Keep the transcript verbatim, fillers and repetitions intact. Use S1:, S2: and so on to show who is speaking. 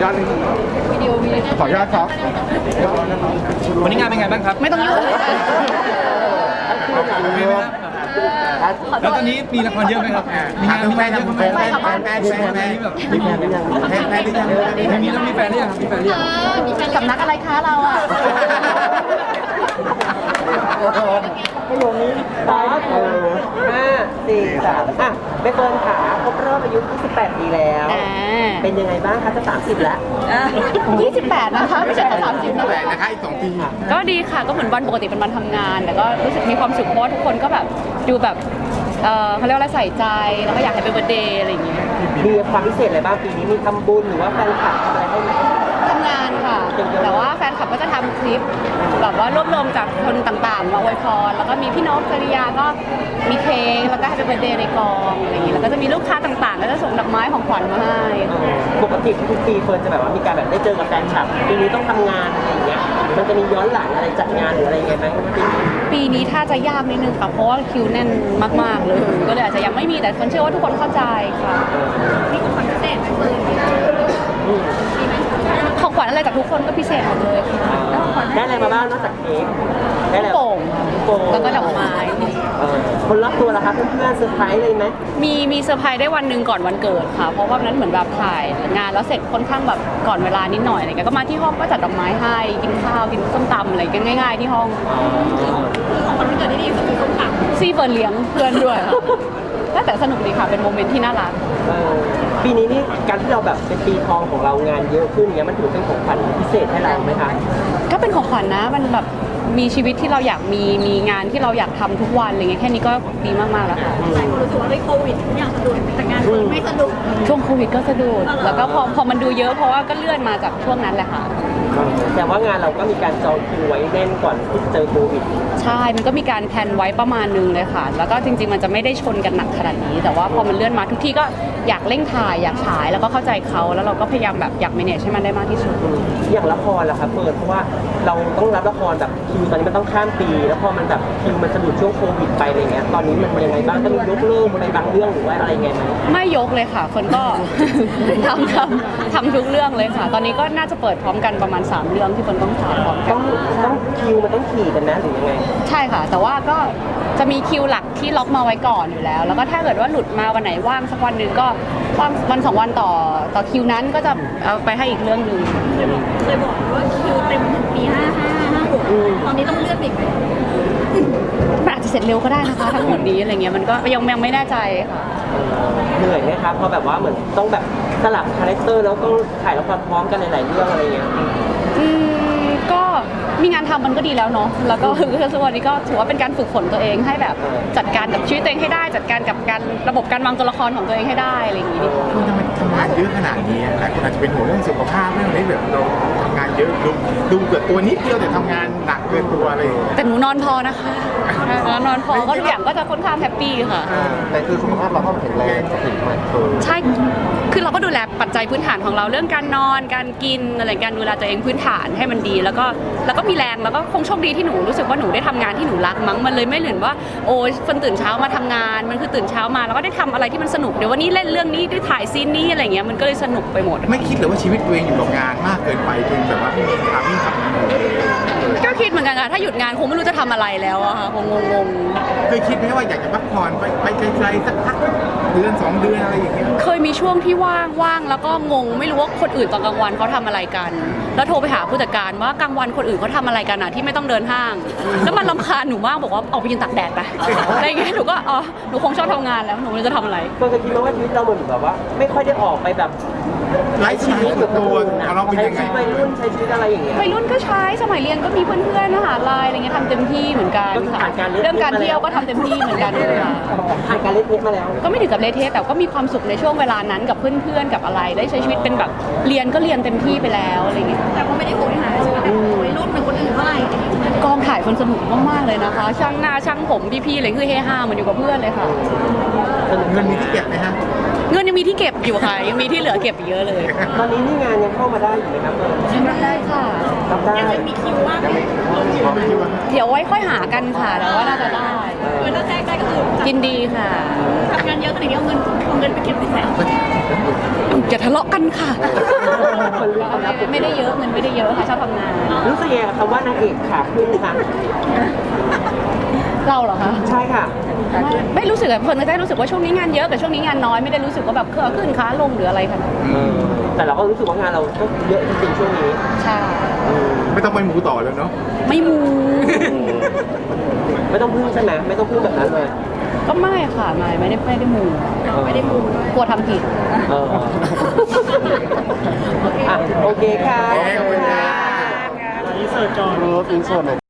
S1: อดหนึ่งวิดีโอมีขออนุญาตครับวันนี้งานเป็นไงบ้างครับ
S2: ไม่ต้องยุ่ง
S1: แล้วตอนนี้มีละครเยอะไหมครับมีงานมีแฟนเยอะไหมแฟนแฟนแฟนแฟนแฟนแบบมีแฟนหรือยังแฟนแฟนหรือยังมีแล้วมีแฟนหรือยังมีแฟนหรือยัง
S2: สำนักอะไรคะเราอ่ะ
S3: ประโยคนี้สามห้าสี่สามอ่ะใบเฟิร์นขาครบรอบอายุยี่สิบแปดปีแล้วเป็นยังไงบ้างคะจะสามสิบแล้ว
S2: ยี่สิบแปดนะคะไม่ใช่สามสิบนะ
S1: แปดนะคะอีกสองปี
S2: ก็ดีค่ะก็เหมือนวันปกติเป็นวันทำงานแต่ก็รู้สึกมีความสุขเพราะว่าทุกคนก็แบบดูแบบเออเขาเรียกว่าอะไรใส่ใจแล้วก็อยากให้เป็นเบอร์เดย์อะไรอย่างเงี้ย
S3: มีความพิเศษอะไรบ้างปีนี้มีทำบุญหรือว่าแฟนคลับทำอะไรให้ไหม
S2: ทำงานค่ะแต่ว่าแฟนคลับก็จะทำคลิปแบบว่ารวบรวมจากคนต่างๆมาอวยพรแล้วก็มีพี่นกจริยาก็มีเค้กแล้วก็ให้เป็นเบอร์เดย์ในกองอะไรอย่างเงี้ยแล้วก็จะมีลูกค้าต่างๆก็จะส่งดอกไม้ของขวัญมาให้
S3: ปกติทุกปีเฟิร์นจะแบบว่ามีการแบบได้เจอกับแฟนคลับปีนี้ต้องทำงานอะไรอย่างเงี้ยมันจะมีย้อนหลังอะไรจัดงานหรืออะไรยังไงไหม
S2: ปีนี้ถ้าจะยากนิดนึงค่ะเพราะว่าคิวแน่นมากๆเลยก็เลยอาจจะยังไม่มีแต่คนเชื่อว่าทุกคนเข้าใจค่ะมีของขวัญพิเศษไหมเฟิร์นของขวัญอะไรจากทุกคนก็พิเศษหมดเลยค่ะ
S3: ได้อะไรมาบ้างนอกจากเค้กได้อะไร
S2: โป่งแล้วก็ดอกไม้
S3: คนรอบตัวล่ะคะเพื่อนๆเซอร์ไพรส์เลยไหม
S2: มีมีเซอร์ไพรส์ได้วันหนึ่งก่อนวันเกิดค่ะเพราะว่านั้นเหมือนแบบถ่ายงานแล้วเสร็จค่อนข้างแบบก่อนเวลานิดหน่อยอะไรเงี้ยก็มาที่ห้องก็จัดดอกไม้ให้กินข้าวกินส้มตำอะไรกันง่ายๆที่ห้องคือของวันเกิดที่ดีคือส้มตำซีเฟิร์นเลี้ยงเพื่อนด้วยแต่สนุกดีค่ะเป็นโมเมนต์ที่น่ารัก
S3: ปีนี้นี่การที่เราแบบเป็นปีทองของเรางานเยอะขึ้นเนี้ยมันถือเป็นของขวัญพิเศษให้เราไหมคะ
S2: ก็เป็นของขวัญนะมันแบบมีชีวิตที่เราอยากมีมีงานที่เราอยากทำทุกวันอะไรเงี้ยแค่นี้ก็ดีมากๆแล้วค่ะ
S4: หลายคนรู้สึกว่าในโควิดทุกอย่างสะดวกแต่งานไม่สะดวก
S2: ช่วงโควิดก็สะดวกแล้วก็พอพอมันดูเยอะเพราะว่าก็เลื่อนมาจากช่วงนั้นแหละค่ะ
S3: แต่ว่างานเราก็มีการจองคิวไว้แน่นก่อนที่จะเจอโควิด
S2: ใช่มันก็มีการแพลนไว้ประมาณนึงเลยค่ะแล้วก็จริงๆมันจะไม่ได้ชนกันหนักขนาดนี้แต่ว่าพอมันเลื่อนมาทุกที่ก็อยากเร่งถ่ายอยากฉายแล้วก็เข้าใจเขาแล้วเราก็พยายามแบบอยาก manage ให้มันได้มากที่สุด
S3: อย่างละครล่ะครับเปิดเพราะว่าเราต้องรับละครแบบคิวตอนนี้มันต้องข้ามปีแล้วพอมันแบบคิวมันสะดุดช่วงโควิดไปอะไรเงี้ยตอนนี้มันยังไงบ้างต้องยกเลิกอะไรบางเรื่องหรือว่าอะไรไงไหม
S2: ไม่ยกเลยค่ะคนก็ ทำทำทำทุกเรื่องเลยค่ะตอนนี้ก็น่าจะเปิดพร้อมกันประมาณสามเรื่องที่คนต้องถ่ายพร้อมกัน
S3: ต้องต้องคิวมันต้องขี่กันนะหรือยังไง
S2: ใช่ค่ะแต่ว่าก็จะมีคิวหลักที่ล็อกมาไว้ก่อนอยู่แล้วแล้วก็ถ้าเกิดว่าหลุดมาวันไหนว่างสักวันหนึ่งก็ว่างวันสองวันต่อต่อคิวนั้นก็จะเอาไปให้อีกเรื่องหนึ่ง
S4: เคยบอกว่าคิวเต็มถึงปีห้าห้าห้าหกตอนนี้ต้องเลื่อนอีกไหม
S2: มันอาจจะเสร็จเร็วก็ได้นะคะทั้งหมดนี้อะไรเงี้ยมันก็ยังยังไม่แน่ใจค่ะ
S3: เหนื่อยไหมครับเพราะแบบว่าเหมือนต้องแบบสลับคาแรคเตอร์แล้วต้องถ่ายละครพร้อมกันหลายๆเรื่องอะไรเงี้ย
S2: อืมก็มีงานทำมันก็ดีแล้วเนาะแล้วก็คือส่วนนี้ก็ถือว่าเป็นการฝึกฝนตัวเองให้แบบจัดการกับชีวิตตัวเองให้ได้จัดการกับการระบบการวางตัวละครของตัวเองให้ได้อะไรอย่างงี้
S1: คุณทำไมทำงานเยอะขนาดนี้หลายคนอาจจะเป็นห่วงเรื่องสุขภาพเรื่องนี้แบบเราทำงานเยอะดูดูเกิดตัวนิดเดียวแต่ทำงานหนักเกินตัวอะไร
S2: แต่หนูนอนพอนะคะนอนพอก็ทุกอย่างก็จะค่อนข้างแฮปปี้ค่ะ
S1: แต่คือสุขภาพเราก็แข็งแรงถึงมัน
S2: ใช่คือเราก็ดูแลปัจจัยพื้นฐานของเราเรื่องการนอนการกินอะไรการดูแลตัวเองพื้นฐานให้มันดีแล้วก็แล้วก็มีแรงแล้วก็คงโชคดีที่หนูรู้สึกว่าหนูได้ทำงานที่หนูรักมั้งมันเลยไม่เหมือนว่าโอ้ยคนตื่นเช้ามาทำงานมันคือตื่นเช้ามาแล้วก็ได้ทำอะไรที่มันสนุกเดี๋ยววันนี้เล่นเรื่องนี้ได้ถ่ายซีนนี้อะไรเงี้ยมันก็เลยสนุกไปหมด
S1: ไม่คิดเลยว่าชีวิตตัวเองอยู่กับงานมากเกินไปจนแบบว่าไม่มีทางไม่ทำ
S2: ก็คิดเหมือนกันค่ะถ้าหยุดงานคงไม่รู้จะทำอะไรแล้วอะค่ะคงงง
S1: ๆเคยคิดไหมว่าอยากจะพักผ่อนไปไปไกลๆสักพักเดือนสองเดือนอะไรอย่างเงี้ย
S2: เคยมีช่วงที่ว่างว่างแล้วก็งงไม่รู้ว่าคนอื่นตอนกลางวันเขาทำอะไรกันแล้วโทรไปหาผู้จัดการว่ากลางวันคนอื่นเขาทำอะไรกันอะที่ไม่ต้องเดินห้างแล้วมันรำคาญหนูมากบอกว่าออกไปยืนตากแดดไปอะไรเงี้ยหนูก็อ๋อหนูคงชอบทำงานแล้วหนูไม่รู้จะทำอะไร
S3: ก็คิดว่าชีวิตเราเหมือนแบบว่าไม่ค่อยได้ออกไปแบบ
S1: ไลฟ์สไตล์ส่วนตัวเราเป็นยังไง
S3: วัยรุ่นใช้ชีวิตอะไรอย่างเงี้ย
S2: วัยรุ่นก็ใช้สมัยเรียนก็มีเพื่อนๆมหาลัยอะไรเงี้ยทำเต็มที่เหมือนกันค่ะเรื่องการเที่ยวก็ทำเต็มที่เหมือนกันเลยค่ะ
S3: ผ่านการเล่นเทสมาแล้ว
S2: ก็ไม่ถึงกับเล่นเทสแต่ก็มีความสุขในช่วงเวลานั้นกับเพื่อนๆกับอะไรได้ใช้ชีวิตเป็นแบบเรียนก็เรียนเต็มที่ไปแล้วอะไรเงี้ย
S4: แต่ก็ไม่ได้โหยหาใช่ไหมวัยรุ่นเป็นคนอื่นเท่าไหร่
S2: กองถ่ายคนสนุกมากๆเลยนะคะช่างหน้าช่างผมพี่ๆอะไรคือเฮฮาเหมือนอยู่กับเพื่อนเลยค่ะ
S1: เงินมีที่เก็บไหมฮะ
S2: เงินยังมีที่เก็บอยู่ค่ะยังมีที่เหลือเก็บเยอะเลย
S3: ตอนนี้นี่งานยังเข้ามาได้อยู่ไหมครับ
S2: รับได้ค่ะ
S3: รับได้
S4: ยังมีคิวว่าง
S2: เดี๋ยวไว้ค่อยหากันค่ะแต่ว่าน่าจะได้
S4: เงินถ้าแทรกได้ก็คือ
S2: กินดีค่ะ
S4: ทำงานเยอะขนาดนี้เอาเงินเอาเงินไปเก็บในแสน
S2: อย่าทะเลาะกันค่ะไม่ได้เยอะเงินไม่ได้เยอะค่ะชอบทำงาน
S3: รู้สึกยังไงกับคำว่านางเอกขาขึ้นคะ
S2: เราเหรอคะ
S3: ใช่ค่ะ
S2: ไม่ไม่รู้สึกอะเฟิร์นก็ได้รู้สึกว่าช่วงนี้งานเยอะกับช่วงนี้งานน้อยไม่ได้รู้สึกว่าแบบขาขึ้นขาลงหรืออะไรขนาดนั้น
S3: เออแต่เราก็รู้สึกว่างานเราก็เยอะจริงๆช่วงนี้
S2: ใช่
S5: ไม่ต้องไปหมูต่อแล้วเนาะ
S2: ไม่มู
S3: ไม่ต้องพึ่งใช่ไหมไม่ต้องพึ่งแบบนั้นเลย
S2: ก็ไม่ค่ะไม่ไม่ได้ไม่ได้มู
S3: ไม่ได้มู
S2: กลัวทำผิด
S3: เอออ่ะโอเคค่ะ
S5: ขอบคุณค่ะ
S3: อินเสิร์ตก่อน
S5: รูปอินเสิร์ต